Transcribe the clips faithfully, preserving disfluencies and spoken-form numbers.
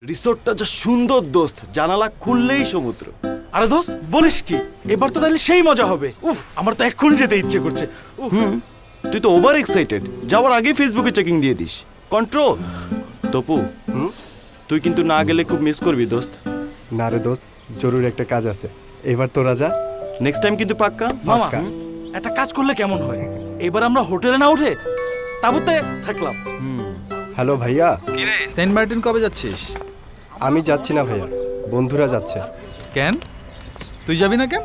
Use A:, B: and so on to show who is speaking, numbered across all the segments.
A: রিসোর্টটা যা সুন্দর দোস্ত, জানালা খুললেই সমুদ্র।
B: আরে দোস্ত বলিস কি, এবার তো তাহলে সেই মজা হবে। উফ, আমার তো এক্ষুনি যেতে ইচ্ছে করছে। উফ।
A: হুম, তুই তো ওভার এক্সাইটেড, যাওয়ার আগে ফেসবুকে চেকিং দিয়ে দিস। কন্ট্রোল। তপু, হুম, তুই কিন্তু না গেলে খুব মিস করবি দোস্ত।
C: না রে দোস্ত, জরুরি একটা কাজ আছে, এবার তোরা যা।
A: নেক্সট টাইম কিন্তু পাক্কা।
B: মামা,
C: পাক্কা।
B: একটা কাজ করলে কেমন হয়? এবার আমরা হোটেলে না উঠে তাবুতে থাকলাম।
C: হ্যালো ভাইয়া,
D: সেন্ট মার্টিন কবে যাচ্ছিস?
C: আমি যাচ্ছি না ভাইয়া, বন্ধুরা যাচ্ছে।
D: কেন তুই যাবি না কেন?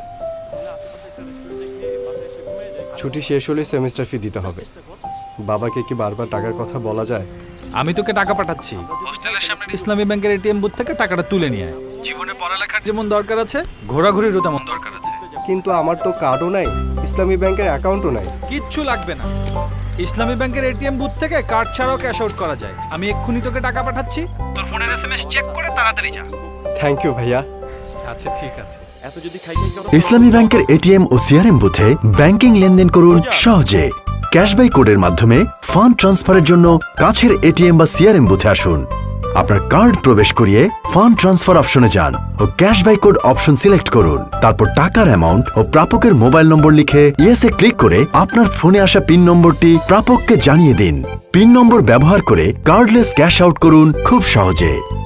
C: ছুটি শেষ হলে সেমিস্টার ফি দিতে হবে। বাবাকে কি বারবার টাকার কথা বলা যায়?
D: আমি তোকে টাকা পাঠাচ্ছি, হোস্টেলের সামনে ইসলামী ব্যাংকের এটিএম বুথ থেকে টাকাটা তুলে নিয়ে আয়। জীবনে পড়ালেখার যেমন দরকার আছে, ঘোরাঘুরিরও তেমন দরকার আছে।
C: কিন্তু আমার তো কার্ডও নাই, ইসলামী ব্যাংকের অ্যাকাউন্টও নাই।
D: কিচ্ছু লাগবে না, ইসলামী ব্যাংকের এটিএম বুথ থেকে কার্ড ছাড়াও ক্যাশ আউট করা যায়। আমি এক্ষুনি তোকে টাকা পাঠাচ্ছি, তোর ফোনের এসএমএস চেক করে তাড়াতাড়ি যা।
C: থ্যাংক ইউ ভাইয়া।
D: আচ্ছা ঠিক আছে।
A: এত যদি খাই খাই করো,
E: ইসলামী ব্যাংকের এটিএম ও সিআরএম বুথে ব্যাংকিং লেনদেন করুন সহজে। ক্যাশবাই কোডের মাধ্যমে ফান্ড ট্রান্সফারের জন্য কাছের এটিএম বা সিআরএম বুথে আসুন। আপনার কার্ড প্রবেশ করিয়ে ফান্ড ট্রান্সফার অপশনে যান ও ক্যাশবাই কোড অপশন সিলেক্ট করুন। তারপর টাকার অ্যামাউন্ট ও প্রাপকের মোবাইল নম্বর লিখে ইয়েসে ক্লিক করে আপনার ফোনে আসা পিন নম্বরটি প্রাপককে জানিয়ে দিন। পিন নম্বর ব্যবহার করে কার্ডলেস ক্যাশ আউট করুন খুব সহজে।